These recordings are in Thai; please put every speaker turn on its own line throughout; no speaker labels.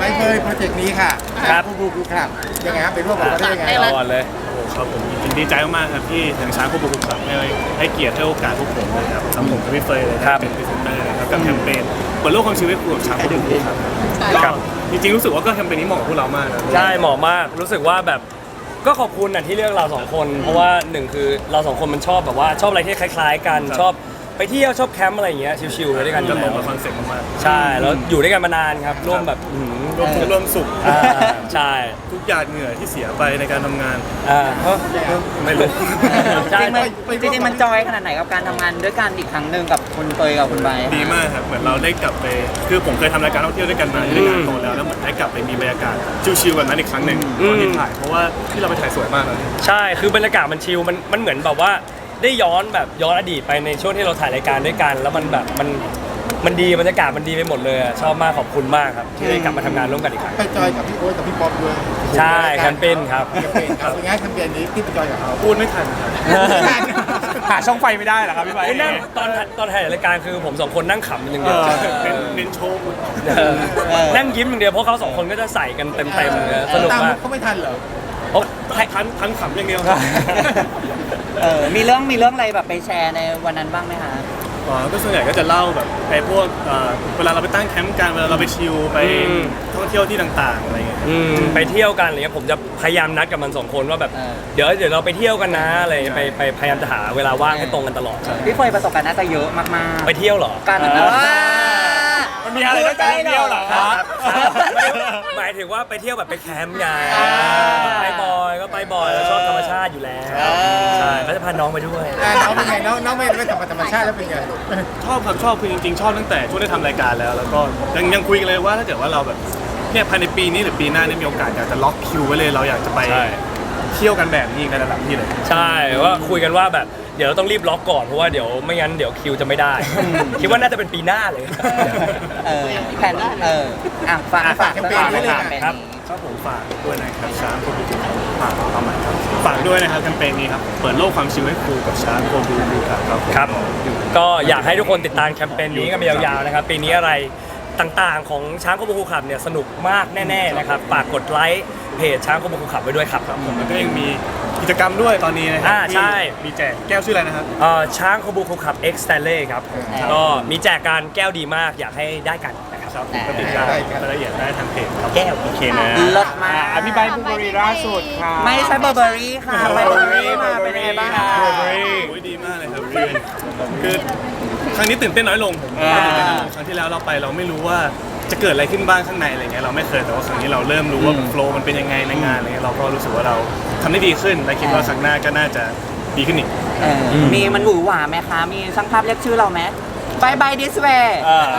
ไม่เคยโปรเจกต์นี้ค่ะครับผู้ครับยังไงครับเป็นร่วมกับเราได้ยังไง
ก่อนเลย
ครับผมดีใจมากๆครับที่ทางช้างคู่บุกครับให้เกียรติให้โอกาสพวกผมเลยครับทำผมกับพี่เฟยเลยเป็นพรีเซนเตอร์นะครับกับแคมเปญเปิดโลกความชีวิตคู่กับช้างคู่บุกครับก็จริงๆรู้สึกว่าก็แคมเปญนี้เหมาะกับพวกเรามาก
ใช่เหมาะมากรู้สึกว่าแบบก็ขอบคุณที่เลือกเราสองคนเพราะว่าหนึ่งคือเราสองคนมันชอบแบบว่าชอบอะไรที่คล้ายๆกันชอบไปเที่ยวชอบแคมป์อะไรอย่างเงี้ยชิลๆด้วยกัน
ก็ตรงกับคอนเซ็ปต์มาก
ใช่แล้วอยู่ด้วยกันมานานครับร่วมแบบ
ร่วมทุกข์ร่วมสุข
ใช่
ทุกหยาดเหงื่อที่เสียไปในการทำงาน
ไม่รู้
จริงๆมันจอยขนาดไหนกับการทำงานด้วยกันอีกครั้งหนึ่งกับคุณเฟยกับคุณใบ
ดีมากครับเหมือนเราได้กลับไปคือผมเคยทำรายการท่องเที่ยวด้วยกันมาด้วยกันโตแล้วเหมือนได้กลับไปมีบรรยากาศชิลๆแบบนั้นอีกครั้งหนึ่งตอนที่ถ่ายเพราะว่าที่เราไปถ่ายสวยมากเลย
ใช่คือบรรยากาศมันชิลมันเหมือนแบบว่าได้ย้อนอดีตไปในช่วงที่เราถ่ายรายการด้วยกันแล้วมันแบบมันดีบรรยากาศมันดีไปหมดเลยชอบมากขอบคุณมากครับที่ได้กลับมาทำงานร่วมกันอีกครั้ง
ไปจอยกับพี่โอ๊ตกับพี่ป๊อปด้วย
ใช่แคมเปญครับ
เป็นไงแคมเปญนี้ที่ไปจอยกับเขา
พูดไม่ทันครับ
หาช่องไฟไม่ได้เหรอครับพี่ใบ
นั่งตอนถ่ายรายการคือผมสองคนนั่งขำอย่างเดียว
เน้นโชว์
นั่งยิ้มอย่างเดียวเพราะเขาสองคนก็จะใส่กันเต็มสนุกมาก
เขาไม่ทันเหรอ
ทันขำอย่างเดียว
มีเรื่องอะไรแบบไปแชร์ในวันนั้นบ้างไหมคะ
ก็ส่วนใหญ่ก็จะเล่าแบบไอ้พวกเวลาเราไปตั้งแคมป์กันเวลาเราไปชิลไปท่องเที่ยวที่ต่างๆอะไรเงี้ย
ไปเที่ยวกันอะไรเงี้ยผมจะพยายามนัดกับมันสองคนว่าแบบเดี๋ยวเราไปเที่ยวกันนะอะไรไปพยายามจะหาเวลาว่างให้ตรงกันตลอด
พี่เฟยประสบการณ์น่าจะเยอะมาก
ๆไปเที่ยวเหรอ
การ
มันมีอะไรต้องการเที่ยวเหรอครับ
หมายถึงว่าไปเที่ยวแบบไปแคมป์ไงไปบ่อยแล้วชอบธรรมชาติอยู่แล้วใช่ก็จะพาน้องไปด้วย
น้องเป็นไงน้องไม่ธรรมชาติแล้วเป็นไง
ชอบครับชอบคือจริงๆชอบตั้งแต่ช่วงได้ทำรายการแล้วก็ยังคุยกันเลยว่าถ้าเกิดว่าเราแบบเนี่ยภายในปีนี้หรือปีหน้าเนี่ยมีโอกาสอยากจะล็อกคิวไว้เลยเราอยากจะไปเที่ยวกันแบบนี้กันระดับที่เลย
ใช่ว่าคุยกันว่าแบบเดี๋ยวเราต้องรีบล็อกก่อนเพราะว่าเดี๋ยวไม่งั้นเดี๋ยวคิวจะไม่ได้คิดว่าน่าจะเป็นปีหน้าเลย
แผนฝากแคมเปญด้วย
ครับก็ผมฝากด้วยนะครับช้างโคบูบูฝากด้วยนะครับแคมเปญนี้ครับเปิดโลกความชิลให้ครูกับช้างโคบูบู
ครับก็อยากให้ทุกคนติดตามแคมเปญนี้กันไปยาวๆนะครับปีนี้อะไรต่างๆของช้างโคบูบูขับเนี่ยสนุกมากแน่ๆนะครับฝากกดไลค์เพจช้างโคบูบูขับไว้ด้วยครับ
ผมแล้วก็ยังมีกิจกรรมด้วยตอนนี้นะครับ
ใช่
มีแจกแก้วชื่ออะไรนะครับ
ช้างโคบูบูขับ X Stanley ครับก็มีแจกการแก้วดีมากอยากให้ได้กัน
นะครับก็ติดตามรายละเอียดได้ทางเพจ
แก้วโอเคนะ
เลิศมาก
อภิบายบูเบอรี่ล่าสุดค่ะ
ไม่ใช่เบอร์เบอรี่ค่ะเบอร์เบอรี่มาเป็นไงบ้างคะ
ดีมากเลยครับคือครั้งนี้ตื่นเต้นน้อยลงครั้งที่แล้วเราไปเราไม่รู้ว่าจะเกิดอะไรขึ้นบ้างข้างในอะไรเงี้ยเราไม่เคยแต่ว่าครั้งนี้เราเริ่มรู้ว่าโฟล์มันเป็นยังไงในงานอะไรเงี้ยเราก็รู้สึกว่าเราทำได้ดีขึ้นและคิดว่าครั้งหน้าก็น่าจะดีขึ้นอีก
มีมันหวือหวาไหมคะมีช่างภาพเรียกชื่อเราไหมบายบายดิสเวย์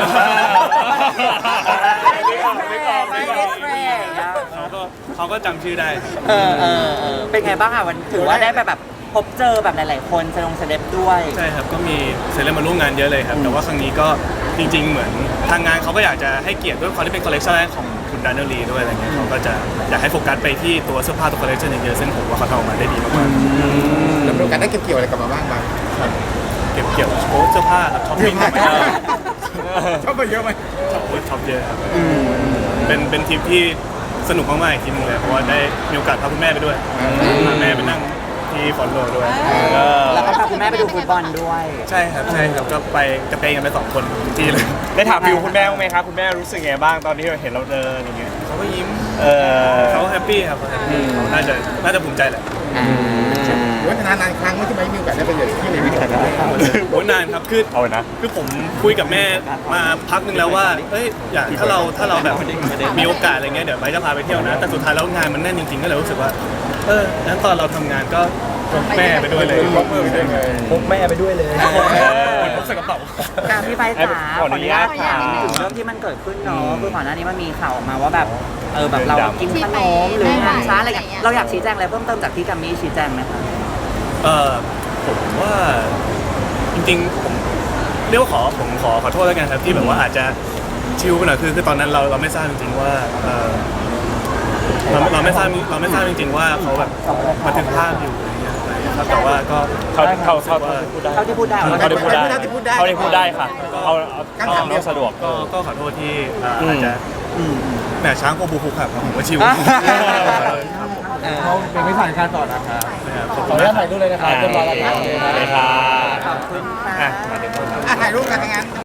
เขาก็จำชื่อได้
เป็นไงบ้างอะวันถือว่าได้แบบพบเจอแบบหลายๆคนเซเลบด้วย
ใช่ครับก็มีเซเลบมาร่วมงานเยอะเลยครับแต่ว่าครั้งนี้ก็จริงๆเหมือนทางงานเขาก็อยากจะให้เกียรติด้วยความที่เป็นคอลเลคชันแรกของคุณดานเนลลีด้วยอะไรเงี้ยเขาก็จะอยากให้โฟกัสไปที่ตัวเสื้อผ้าตัวคอลเลคชันเยอะๆซึ่งผมว่าเขาทำออกมาได้ดีมาก
ๆแล้วโอกาสได้เก็บเกี่ยวอะไรกลับมาบ้าง
เก็บเกี่ยวเสื้อผ้าช้อปปิ้ง
ชอบไปเยอะไหม
ช็อปเยอะครับเป็นทริปที่สนุกมากๆอีกทีนึงเลยเพราะว่าได้มีโอกาสพาคุณแม่ไปด้วยพาแม่ไปนั่งที่ฟอนโลด้วย
แล้วก็พาคุณแม่ไปดูฟุตบอลด้วย
ใช่ครับก็ไปกระเตงกันไป2 คนที่เลย
ได้ถามฟิวคุณแม่บ้างไหมครับคุณแม่รู้สึกไงบ้างตอนที่เห็นเราเดินอย่างเงี้ย
เขาก็ยิ้มเขาแฮปปี้ครับเขาน่าจะภูมิใจแหละ
ว่านานครั้งไม่ใช่ไหมมีโอกาสได้ไปเจอที่ไหนกัน
โอ้นานครับคือผมคุยกับแม่มาพักนึงแล้วว่าเอ้ยอยากถ้าเราแบบมีโอกาสอะไรเงี้ยเดี๋ยวไปจะพาไปเที่ยวนะแต่สุดท้ายแล้วงานมันแน่นจริงๆก็เลยรู้สึกว่างั้นตอนเราทำงานก็พกแม่ไปด้วยเลย
พกแม่ไปด้วยเลย
พกใส่กระเป๋า
การพี่ไปจ๋าขออนุญาตถามถึงเรื่องที่มันเกิดขึ้นเนาะคือก่อนหน้านี้มันมีข่าวมาว่าแบบแบบเรากินขนมหรืองานช้าอะไรอย่างเงี้ยเราอยากชี้แจงอะไรเพิ่มเติมจากที่กัมมี่ชี้แจงไหมคะ
ผมว่าจริงๆผมเรียกว่าผมขอโทษแล้วกันครับที่แบบว่าอาจจะชิลไปหน่อยคือตอนนั้นเราไม่ทราบจริงๆว่าเราไม่ทราบจริงๆว่าเขาแบบบันทึกภาพอยู่ครับแต่ว่าก็
เท่าที่พูดได้ค่ะเอาสะดวก
ก็ขอโทษที่อาจจะแหมช้างโคบูคุครับผมว่าชิว
เขาเป็นไม่ผ่านการต่อนะครับ
ขอบ
ข
คุ
อ
ณ
อนุ
มา
ญาก ตถ่ายรูปเลยนะครับเรียบร้อยแล้วครับ
เลยครับ
ขอบคุณค่ะ
ถ่ายรูปกันงั้น